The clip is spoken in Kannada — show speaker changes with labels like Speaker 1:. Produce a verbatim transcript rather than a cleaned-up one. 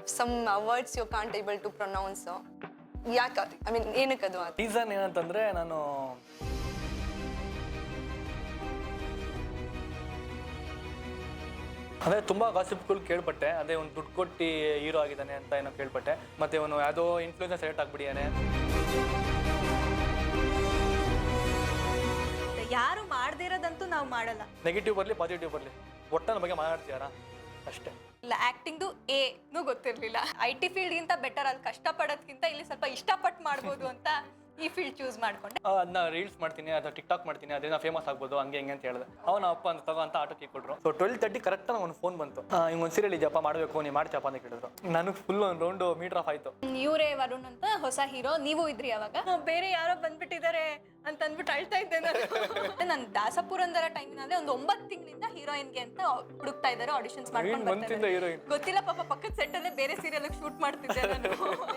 Speaker 1: Some words you can't able to pronounce. ಯಾಕೆ ಐ ಮೀನ್ ಏನಕ್ಕದು?
Speaker 2: ರೀಸನ್ ಏನಂತಂದರೆ ನಾನು ಅದೇ ತುಂಬ ಗಾಸಿಪ್ಗಳು ಕೇಳ್ಪಟ್ಟೆ. ಅದೇ ಒಂದು ದುಡ್ಡು ಕೊಟ್ಟು ಹೀರೋ ಆಗಿದ್ದಾನೆ ಅಂತ ಏನೋ ಕೇಳ್ಪಟ್ಟೆ. ಮತ್ತು ಅವನು ಯಾವುದೋ ಇನ್ಫ್ಲೂಯೆನ್ಸರ್ ಸೆಲೆಕ್ಟ್ ಆಗಿಬಿಟ್ಟಿದ್ದಾನೆ.
Speaker 3: ಯಾರು ಮಾಡದೇ ಇರೋದಂತೂ ನಾವು ಮಾಡಲ್ಲ.
Speaker 2: ನೆಗೆಟಿವ್ ಬರಲಿ ಪಾಸಿಟಿವ್ ಬರಲಿ ಒಟ್ಟನ ಬಗ್ಗೆ ಮಾತಾಡ್ತೀಯಾರಾ ಅಷ್ಟೇ.
Speaker 3: ಇಲ್ಲ ಆ್ಯಕ್ಟಿಂಗ್ದು ಏನೂ ಗೊತ್ತಿರಲಿಲ್ಲ. ಐ ಟಿ ಫೀಲ್ಡ್ಗಿಂತ ಬೆಟರ್ ಅಲ್ಲಿ ಕಷ್ಟಪಡೋದ್ಕಿಂತ ಇಲ್ಲಿ ಸ್ವಲ್ಪ ಇಷ್ಟಪಟ್ಟು ಮಾಡ್ಬೋದು ಅಂತ ಈ ಫೀಲ್ಡ್ ಚೂಸ್ ಮಾಡ್ಕೊಂಡೆ.
Speaker 2: ಅದನ್ನ ರೀಲ್ಸ್ ಮಾಡ್ತೀನಿ ಅಥವಾ ಟಿಕ್ ಟಾಕ್ ಮಾಡ್ತೀನಿ, ಅದರಿಂದ ಫೇಮಸ್ ಆಗ್ಬೋದು ಹಂಗೆ ಹಿಂಗೆ ಅಂತ ಹೇಳಿದೆ. ಅವನ ಅಪ್ಪ ಅಂತ ತಗೋ ಅಂತ ಆಟೋಕ್ಕೆ ಕೊಟ್ಟರು. ಸೊ ಟ್ವೆಲ್ ತರ್ಟಿ ಕರೆಕ್ಟ್ ಒಂದು ಫೋನ್ ಬಂತು. ಹಿಂಗೆ ಒಂದು ಸೀರಿಯಲ್ ಇದೆಯಪ್ಪ ಮಾಡಬೇಕು, ನೀವು ಮಾಡ್ತೀಯಪ್ಪ ಅಂತ ಕೇಳಿದ್ರು. ನನಗೆ ಫುಲ್ ಒಂದು ರೌಂಡು ಮೀಟರ್ ಆಫ್ ಆಯಿತು.
Speaker 3: ಇವರೇ ವರುಣ್ ಅಂತ ಹೊಸ ಹೀರೋ, ನೀವು ಇದ್ರಿ ಅವಾಗ. ಬೇರೆ ಯಾರೋ ಬಂದ್ಬಿಟ್ಟಿದ್ದಾರೆ ಅಂತ ಅಂದ್ಬಿಟ್ಟು ಅಳ್ತಾ ಇದ್ದೆ ನಾನು. ನಾನು ದಾಸಪುರಂದರ ಟೈಮಿನಲ್ಲಿ ಒಂದು ಒಂಬತ್ತು ತಿಂಗಳಿಂದ ಹೀರೋಯಿನ್ಗೆ ಅಂತ ಹುಡುಕ್ತಾ ಇದ್ದಾರೆ, ಆಡಿಷನ್ಸ್ ಮಾಡ್ಕೊಂಡು ಬರ್ತಾರೆ.
Speaker 2: ಹೀರೋಯಿನ್
Speaker 3: ಗೊತ್ತಿಲ್ಲ ಪಾಪ, ಪಕ್ಕದ ಸೆಟ್ಟಲ್ಲೇ ಬೇರೆ ಸೀರಿಯಲ್ ಶೂಟ್ ಮಾಡ್ತಿದ್ದೆ ನಾನು.